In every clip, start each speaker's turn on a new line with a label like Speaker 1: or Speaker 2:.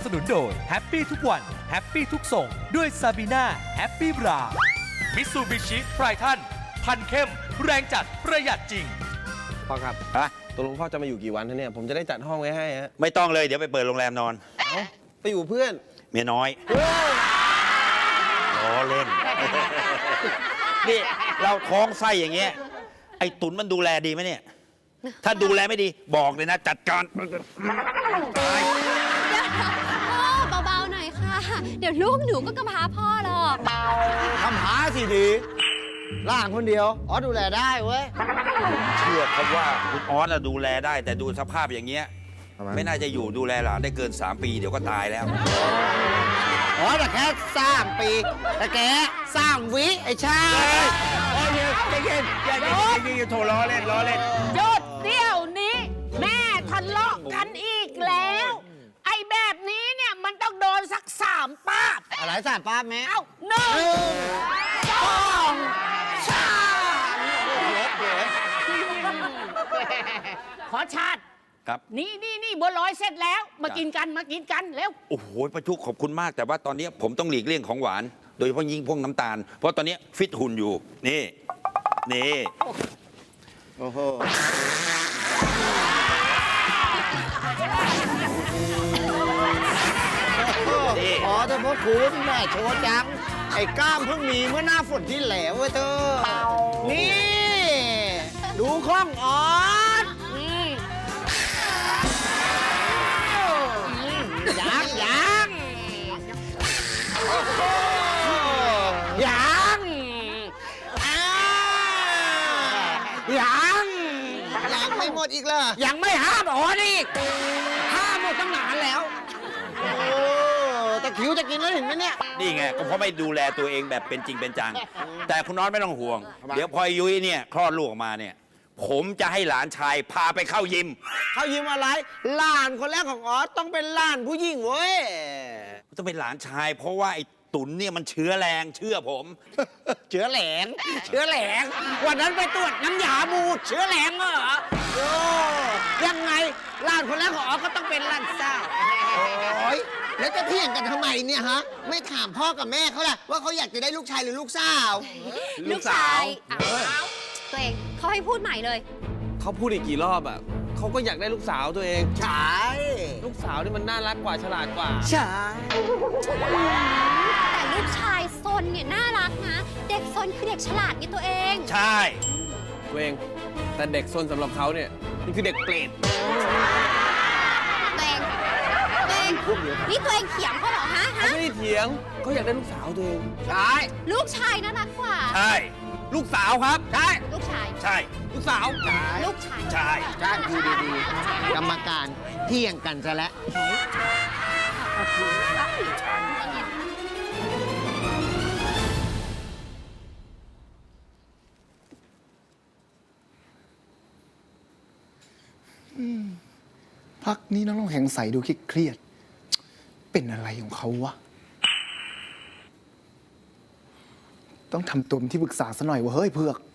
Speaker 1: สนุนโดยแฮปปี้ทุกวันแฮปปี้ทุกส่งด้วยซาบีน่าแฮปปี้บรามิตซูบิชิไพรทันพันเข้มแรงจัดประหยัดจริง
Speaker 2: พ่อครับ
Speaker 3: ฮะ
Speaker 2: ตกลงพ่อจะมาอยู่กี่วันเนี่ยผมจะได้จัดห้องไว้ให้ฮะ
Speaker 3: ไม่ต้องเลยเดี๋ยวไปเปิดโรงแรมนอน
Speaker 2: ไปอยู่เพื่อน
Speaker 3: เมียน้อยล้อเล่น นี่เราท้องไส้อย่างเงี้ยไอ้ตุนมันดูแลดีไหมเนี่ย ถ้าดูแลไม่ดีบอกเลยนะ จัดการตาย
Speaker 4: พ่อเบาๆหน่อยค่ะ เดี๋ยวลูกหนูก็กำพร้าพ่อหรอก
Speaker 5: ทำหาสิดีล่างคนเดียวอ๋อดูแลได้เว้ย
Speaker 3: เชื่อเขาว่าคุณออสดูแลได้ แต่ดูสภาพอย่างเงี้ย
Speaker 5: ทำไม
Speaker 3: ไม่น่าจะอยู่ดูแลหลานได้เกิน 3 ปีเดี๋ยวก็ตายแล้ว
Speaker 5: อ๋อแต่แค่สร้างปีแต่แกสร้างวิไอ้ชา
Speaker 3: โอ้ยใจเย็นอย่าโทรล้อเล่นล้อเล่น
Speaker 6: หยุดเดี๋ยวนี้ แม่ทะเลาะกันอีกแล้ว ไอ้แบบนี้เนี่ยมันต้องโดนสัก3 ป้าบ
Speaker 5: อะไรสารป้าแม่
Speaker 6: เอ้า1 2 3ขอชาติ
Speaker 3: ครับ
Speaker 6: นี่บัวลอยเสร็จแล้ว มากินกันเร็ว
Speaker 3: โอ้โหประชุกขอบคุณมากแต่ว่าตอนนี้ผมต้องหลีกเลี่ยงของหวาน โดยเฉพาะยิ่งพวกน้ำตาล เพราะตอนนี้ฟิตหุ่นอยู่ นี่
Speaker 5: โอ้โหอ๋อแต่พ่อคุณแม่โชว์จัง ไอ้กล้ามเพิ่งมีเมื่อหน้าฝนที่แล้วเว้ยเธอ นี่ ดูข้องอ๋อนยังไม่หมดอีกเหรอ
Speaker 6: ยังไม่ห้ามอ๋อนี่ห้ามหมดตั้งนานแล้ว
Speaker 5: โอ้แต่คิวจะกินแล้วเห็นไหมเนี่ย
Speaker 3: นี่ไงก็เพราะไม่ดูแลตัวเองแบบเป็นจริงเป็นจัง แต่คุณน้อยไม่ต้องห่วง เดี๋ยวพอยุ้ยเนี่ยคลอดลูกออกมาเนี่ย ผมจะให้หลานชายพาไปเข้ายิม
Speaker 5: เขายิ้มอะไรหลานคนแรกของออสต้องเป็นหลานผู้หญิงเว้ย
Speaker 3: ต้องเป็นหลานชาย เพราะว่าไอ้ตุนเนี่ยมันเชื้อแรงเชื่อผม
Speaker 5: เชื้อแหลงวันนั้นไปตรวจน้ำยาบูดเชื้อแหลงเหรอโอ้ยังไงหลานคนแรกของออสก็ต้องเป็นหลานสาวโอ้ยแล้วจะเถียงกันทำไมเนี่ยฮะไม่ถามพ่อกับแม่เขาล่ะว่าเขาอยากจะได้ลูกชายหรือลูกสาว
Speaker 4: ลูกชายอ้าวตัวเองเขาให้พูดใหม่เลย
Speaker 2: เขาพูดอีกกี่รอบอ่ะเขาก็อยากได้ลูกสาวตัวเอง
Speaker 5: ใช่
Speaker 2: ลูกสาวนี่มันน่ารักกว่าฉลาดกว่า
Speaker 5: ใช่
Speaker 4: แต่ลูกชายซนเนี่ยน่ารักนะ เด็กซนคือเด็กฉลาดไงตัวเอง
Speaker 3: ใช่
Speaker 2: ตัวเอง แต่เด็กซนสำหรับเขาเนี่ยนี่คือเด็กเปรต
Speaker 4: ตัวเองนี่ตัวเองเถียงเขาเหรอฮะ
Speaker 2: เขาไม่ได้เถียงเขาอยากได้ลูกสาวตัวเอง
Speaker 5: ใช่
Speaker 4: ลูกชายน่ารักกว่า
Speaker 3: ใช่
Speaker 2: ลูกสาวครับ
Speaker 5: ใช่
Speaker 4: ลูกชาย
Speaker 3: ใช่
Speaker 2: ลูกสาว
Speaker 4: ลูกชาย
Speaker 3: ใช่
Speaker 5: ใช่ดูดีๆกรรมการเที่ยงกันซะแล้ว
Speaker 7: พักนี้น้องแข็งใสดูเครียดๆเป็นอะไรของเขาวะ ต้องทำตัวเป็นที่ปรึกษาซะหน่อยวะเฮ้ยเผือก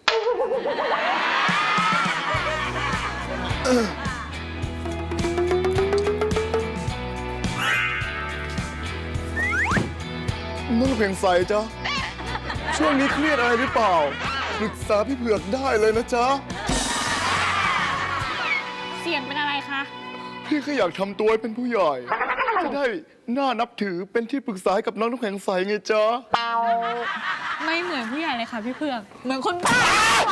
Speaker 7: น้องแข็งใสจ๊ะ ช่วงนี้เครียดอะไรหรือเปล่า ปรึกษาพี่เผือกได้เลยนะจ๊ะ
Speaker 6: เสียงเป็นอะไรคะ
Speaker 7: พี่แค่อยากทำตัวให้เป็นผู้ใหญ่ จะได้น่านับถือเป็นที่ปรึกษาให้กับน้องน้ำแข็งใสไงจ๊ะ
Speaker 6: ไม่เหมือนผู้ใหญ่เลยค่ะพี่เผือก เหมือนคนบ้า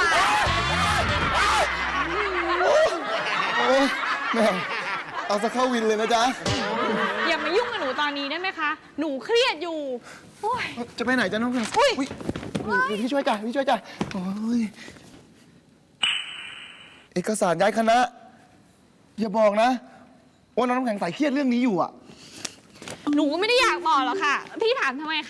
Speaker 7: โอ้ยแม่เอาสักเข้าวินเลยนะจ๊ะ
Speaker 6: อย่ามายุ่งกับหนูตอนนี้ได้ไหมคะ หนูเครียดอยู่ โอ้ย
Speaker 7: จะไปไหนจ๊ะน้องแข็งใสอุ๊ยเดี๋ยวพี่ช่วยจ้ะพี่ช่วยจ้ะโอ้ยเอกสารย้ายคณะ อย่าบอกนะ ว่าน้องน้ำแข็งใสเครียดเรื่องนี้อยู่อ่ะ
Speaker 6: หนูก็ไม่ได้อยากบอกหรอกค่ะ พี่ถามทำไมคะ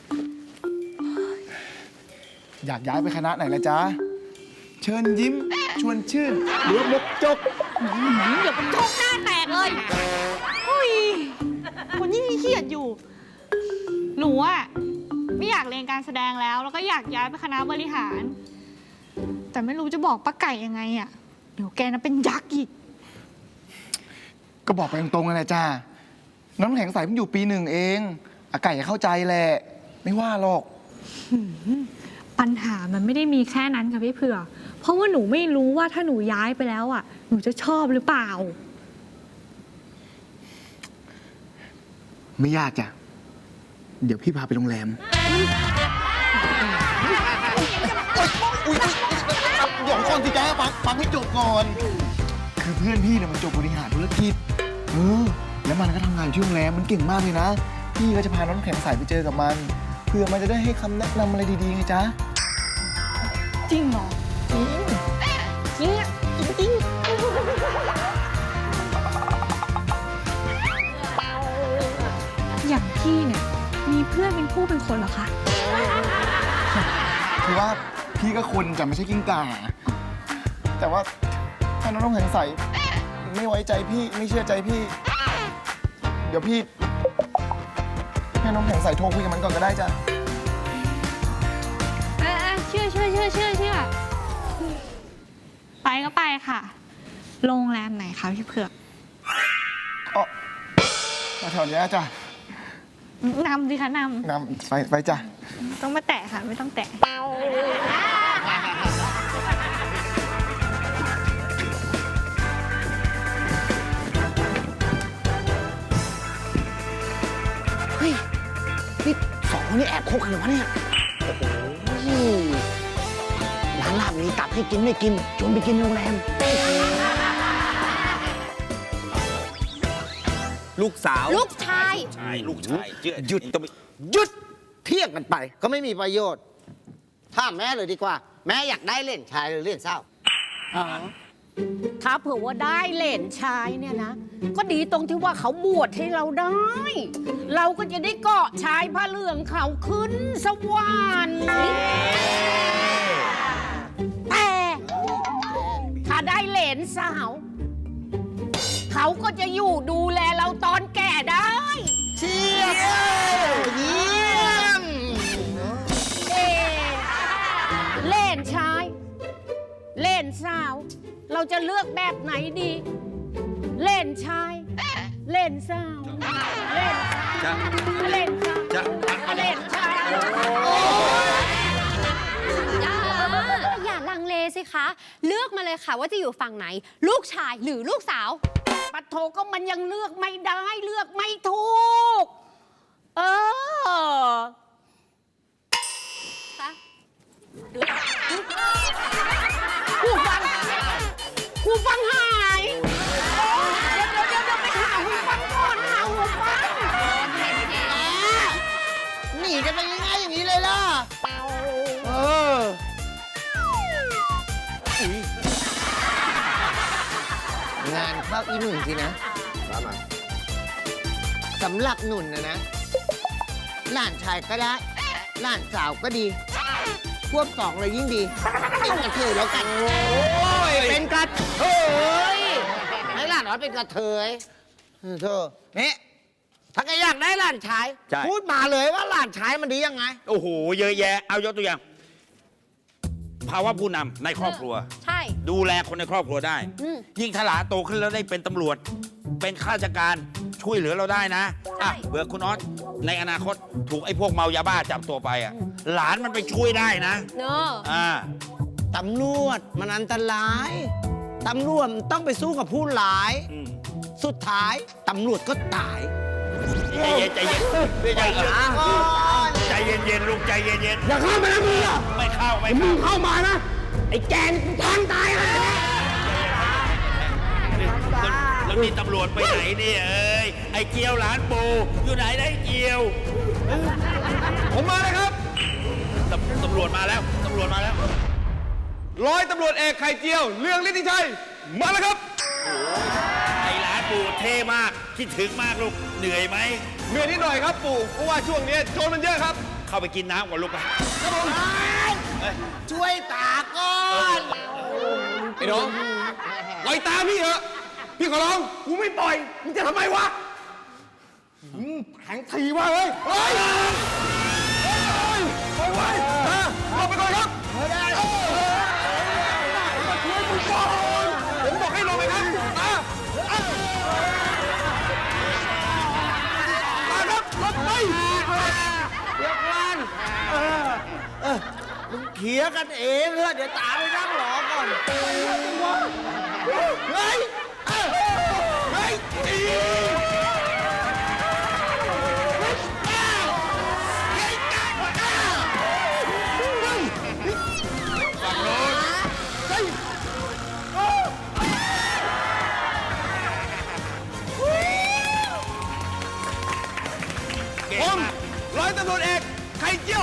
Speaker 7: อยากย้ายไปคณะไหนละจ๊ะ เชิญยิ้ม ชวนชื่น หรือว่ามกจก
Speaker 6: เดี๋ยวเป็นโชคหน้าแตกเลยเฮ้ยคนยิ่งเครียดอยู่ หนูอะไม่อยากเรียนการแสดงแล้ว แล้วก็อยากย้ายไปคณะบริหาร แต่ไม่รู้จะบอกป้าไก่ยังไงอะเดี๋ยวแกนะเป็นยักษ์อีก
Speaker 7: ก็บอกไปตรงๆนั่นแหละจ้าน้ำแข็งใสเพิ่งอยู่ปี 1เองอาไก่เข้าใจแหละ ไม่ว่าหรอก
Speaker 6: ปัญหามันไม่ได้มีแค่นั้นค่ะพี่เผือกเพราะว่าหนูไม่รู้ว่าถ้าหนูย้ายไปแล้วอ่ะ หนูจะชอบหรือเปล่า
Speaker 7: ไม่ยากจ้ะ เดี๋ยวพี่พาไปโรงแรมเดี๋ยวก่อนสิจ้าฟังให้จบก่อน คือเพื่อนพี่เนี่ยมันจบบริหารธุรกิจแล้วมันก็ทำงานอยู่ที่โรงแรมมันเก่งมากเลยนะ พี่ก็จะพาน้องแข็งใสไปเจอกับมัน เพื่อมันจะได้ให้คำแนะนำอะไรดีๆไงจ๊ะ
Speaker 6: จริงเหรอ จริงอ่ะจริงอย่างพี่เนี่ยมีเพื่อนเป็นผู้เป็นคนเหรอคะ
Speaker 7: คือว่าพี่ก็คนจะไม่ใช่กิ้งก่า แต่ว่าถ้าน้องแข็งใสไม่ไว้ใจพี่ไม่เชื่อใจพี่ เดี๋ยวพี่ให้น้องแข็งใสโทรคุยกับมันก่อนก็ได้จ้ะ
Speaker 6: เชื่อไปก็ไปค่ะ โรงแรมไหนคะพี่เผือก
Speaker 7: อ๋อมาแถวเนี้ยจ้ะ
Speaker 6: นำสิคะน
Speaker 7: นำไปจ้ะ
Speaker 6: ำต้องมาแตะค่ะ ไม่ต้องแตะ
Speaker 5: เฮ้ย นี่สองคนนี้แอบคบกันเหรอวะเนี่ย โอ้โหร้านลาบมีตับให้กินไม่กินชวนไปกินโรงแรม
Speaker 2: ลูกสาว
Speaker 4: ลูกชาย
Speaker 3: ใช่ลูกชายเชื่อ
Speaker 5: หยุด
Speaker 3: ต้องไป
Speaker 5: หยุดเที่ยงกันไปก็ไม่มีประโยชน์ถามแม่เลยดีกว่า แม่อยากได้เล่นชายหรือเล่นเศร้า
Speaker 8: ถ้าเผื่อว่าได้เหลนชายเนี่ยนะ ก็ดีตรงที่ว่าเขาบวชให้เราได้ เราก็จะได้เกาะชายผ้าเหลืองเขาขึ้นสวรรค์แต่ถ้าได้เหลนสาว เขาก็จะอยู่ดูแลเราตอนแก่ได้
Speaker 5: เชียบเยี่ยม
Speaker 8: เอ๊ะเล่นชาย เล่นสาว เราจะเลือกแบบไหนดี เล่นชาย เล่นสาว เล่นชายเล่นสาวเล่นชาย
Speaker 4: อย่าลังเลสิคะ เลือกมาเลยค่ะว่าจะอยู่ฝั่งไหน ลูกชายหรือลูกสาว
Speaker 8: ปัดโทก็มันยังเลือกไม่ได้ เลือกไม่ถูก หูฟังหาย เดี๋ยวไปหาหูฟังก่อนหาหูฟัง
Speaker 5: หนีกันไปง่ายๆอย่างนี้เลยล่ะ งานเข้าอีหนุ่นสินะสำหรับหนุ่นนะหลานชายก็ได้หลานสาวก็ดีควบสองเลยยิ่งดีเป็นกระเทยแล้วกันเป็นกระเทยให้หลานน้อยเป็นกระเทยเธอนี่ถ้าแกอยากได้หลานชาย
Speaker 3: ใช่
Speaker 5: พูดมาเลยว่าหลานชายมันดียังไง
Speaker 3: โอ้โห เยอะแยะ เอายกตัวอย่าง ภาวะผู้นำในครอบครัว
Speaker 4: ใช่
Speaker 3: ดูแลคนในครอบครัวได้
Speaker 4: อืม
Speaker 3: ยิ่งถ้าหลานโตขึ้นแล้วได้เป็นตำรวจ เป็นข้าราชการช่วยเหลือเราได้นะ
Speaker 4: ใช่
Speaker 3: อ่ะเผื่อคุณออสในอนาคตถูกไอ้พวกเมายาบ้าจับตัวไปอ่ะ หลานมันไปช่วยได้นะ
Speaker 4: เนอะ
Speaker 3: อ่า
Speaker 5: ตำรวจมันอันตราย ตำรวจมันต้องไปสู้กับผู้ร้าย
Speaker 3: อืม
Speaker 5: สุดท้ายตำรวจก็ตาย
Speaker 3: ใจเย็นใจเย็นใจเย็นใจเย็นลูกใจเย็น
Speaker 5: อย่าเข้ามานะมึงอ่ะ
Speaker 3: ไม่เข้าไม่
Speaker 5: มึ
Speaker 3: เข้าง
Speaker 5: เข้ามานะ ไอ้แกนกูแทงตายเลย
Speaker 3: แล้วนี่ตำรวจไปไหนเนี่ยเอ้ยไอ้เจียวหลานปูอยู่ไหนได้เจียว
Speaker 2: ผมมาเลยครับ
Speaker 3: ตำรวจมาแล้วตำรวจมาแล้ว
Speaker 2: ร้อยตำรวจเอกไข่เจียว เรืองฤทธิชัย มาแล้วครับ
Speaker 3: ไอ้หลานปูเท่มากคิดถึงมากลูกเหนื่อยไหม
Speaker 2: เหนื่อยนิดหน่อยครับปู่เพราะว่าช่วงนี้โจรมันเยอะครับ
Speaker 3: เข้าไปกินน้ำก่อนลูกไป
Speaker 5: ช่วยตาก่อน
Speaker 2: ไอ้น้องปล่อยตามพี่เถอะ พี่ขอร้องกูไม่ปล่อย มึงจะทำไมวะแข็งทีว่าเฮ้ยเฮ้ยปล่อยไว้ลงไปก่อนครับช่วยมึงก่อนผมบอกให้ลงไปครับ
Speaker 5: เคลียร์กันเองเถอะเดี๋ยวตาไปนั่งรอก่อนเฮ้ยเฮ้ย
Speaker 2: ผมร้อยตำรวจเอกไข่เจียว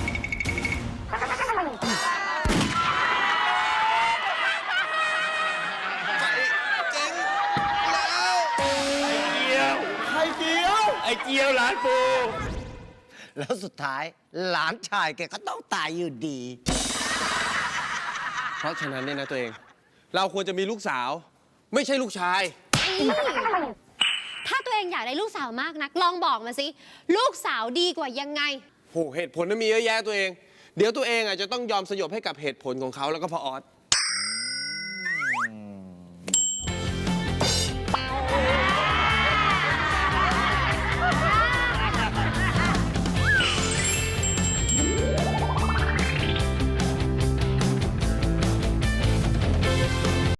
Speaker 3: ไข่เจียวหลานปู
Speaker 5: แล้วสุดท้ายหลานชายแกก็ต้องตายอยู่ดี
Speaker 2: เพราะฉะนั้นเนี่ยนะตัวเอง เราควรจะมีลูกสาว ไม่ใช่ลูกชาย
Speaker 4: ถ้าตัวเองอยากได้ลูกสาวมากนัก ลองบอกมาสิ ลูกสาวดีกว่ายังไง
Speaker 2: โหเหตุผลนั้นมีเยอะแยะตัวเอง เดี๋ยวตัวเองอ่ะจะต้องยอมสยบให้กับเหตุผลของเขาแล้วก็พ่อออส